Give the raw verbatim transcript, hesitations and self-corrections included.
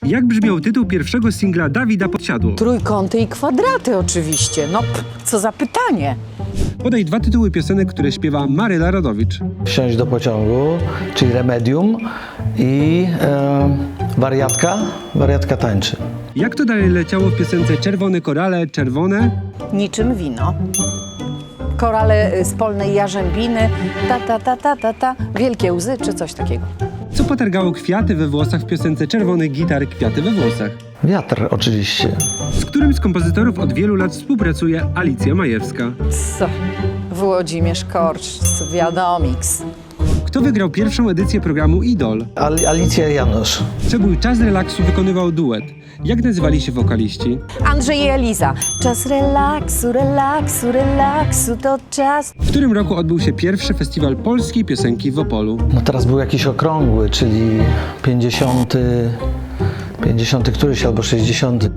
Jak brzmiał tytuł pierwszego singla Dawida Podsiadło? Trójkąty i kwadraty oczywiście. No, p- co za pytanie. Podaj dwa tytuły piosenek, które śpiewa Maryla Rodowicz. Wsiąść do pociągu, czyli Remedium i e, wariatka, wariatka tańczy. Jak to dalej leciało w piosence Czerwone korale, czerwone? Niczym wino. Korale y, z polnej jarzębiny, ta, ta, ta, ta, ta, ta, wielkie łzy czy coś takiego. Co potargało kwiaty we włosach w piosence Czerwony gitar, kwiaty we włosach? Wiatr oczywiście. Z którym z kompozytorów od wielu lat współpracuje Alicja Majewska? Co? Włodzimierz Korcz, wiadomiks. Kto wygrał pierwszą edycję programu Idol? Al Alicja Janusz. Przebój Czas relaksu wykonywał duet. Jak nazywali się wokaliści? Andrzej i Eliza. Czas relaksu, relaksu, relaksu, to czas. W którym roku odbył się pierwszy festiwal polskiej piosenki w Opolu? No teraz był jakiś okrągły, czyli pięćdziesiąty, pięćdziesiąty któryś albo sześćdziesiąty.